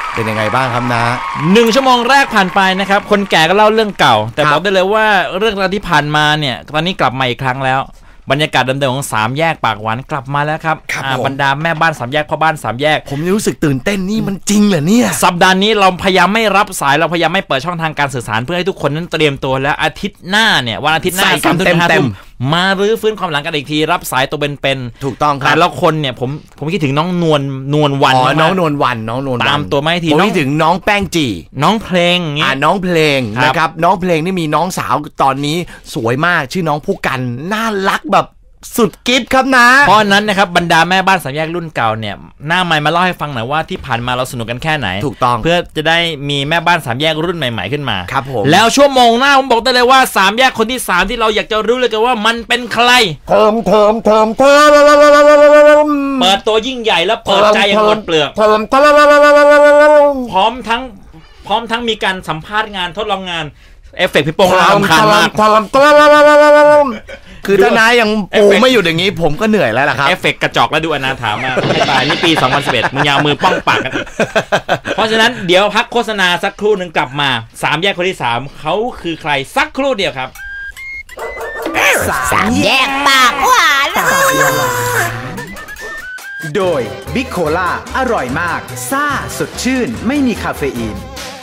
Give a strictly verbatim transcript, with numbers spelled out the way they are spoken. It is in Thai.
เป็นยังไงบ้างครับนะหนึ่งชั่วโมงแรกผ่านไปนะครับคนแก่ก็เล่าเรื่องเก่าแต่บอกได้เลยว่าเรื่องราวที่ผ่านมาเนี่ยตอนนี้กลับมาอีกครั้งแล้วบรรยากาศเดิมๆของสามแยกปากหวานกลับมาแล้วครับบรรดาแม่บ้านสามแยกพ่อบ้านสามแยกผมรู้สึกตื่นเต้นนี่มันจริงเหรอเนี่ยสัปดาห์นี้เราพยายามไม่รับสายเราพยายามไม่เปิดช่องทางการสื่อสารเพื่อให้ทุกคนนั้นเตรียมตัวแล้วอาทิตย์หน้าเนี่ยวันอาทิตย์หน้าสามทุ่มห้าทุ่มมารื้อฟื้นความหลังกันอีกทีรับสายตัวเป็นๆถูกต้องครับแต่ละคนเนี่ยผมผมคิดถึงน้องนวลนวลวันอ๋อน้องนวลวันน้องนวลตามตัวไม่ทีผมคิดถึงน้องแป้งจีน้องเพลงอ่าน้องเพลงนะครับน้องเพลงนี่มีน้องสาวตอนนี้สวยมากชื่อน้องผู้กันน่ารักแบบสุดกิ๊บครับนะเพราะนั้นนะครับบรรดาแม่บ้านสามแยกรุ่นเก่าเนี่ยหน้าไมค์มาเล่าให้ฟังหน่อยว่าที่ผ่านมาเราสนุกกันแค่ไหนถูกต้องเพื่อจะได้มีแม่บ้านสามแยกรุ่นใหม่ๆขึ้นมาครับผมแล้วชั่วโมงหน้าผมบอกได้เลยว่าสามแยกคนที่สามที่เราอยากจะรู้เลยกันว่ามันเป็นใครเทิมเทิมเทิมเทิมเปิดตัวยิ่งใหญ่แล้วเปิดใจอย่างหมดเปลือกเทิมเทิมพร้อมทั้งพร้อมทั้งมีการสัมภาษณ์งานทดลองงานเอฟเฟกต์พี่โป้งรำคาญมากคือถ้านายยังปูไม่อยู่อย่างนี้ผมก็เหนื่อยแล้วล่ะครับเอฟเฟกต์กระจอกแล้วดูอนาถามากให้ตายนี่ปีสองพันสิบเอ็ดมึงยาวมือป้องปากกันเพราะฉะนั้นเดี๋ยวพักโฆษณาสักครู่นึงกลับมาสามแยกคนที่สามเขาคือใครสักครู่เดียวครับสามแยกปากหวานโดยบิ๊กโคล่าอร่อยมากซ่าสดชื่นไม่มีคาเฟอีน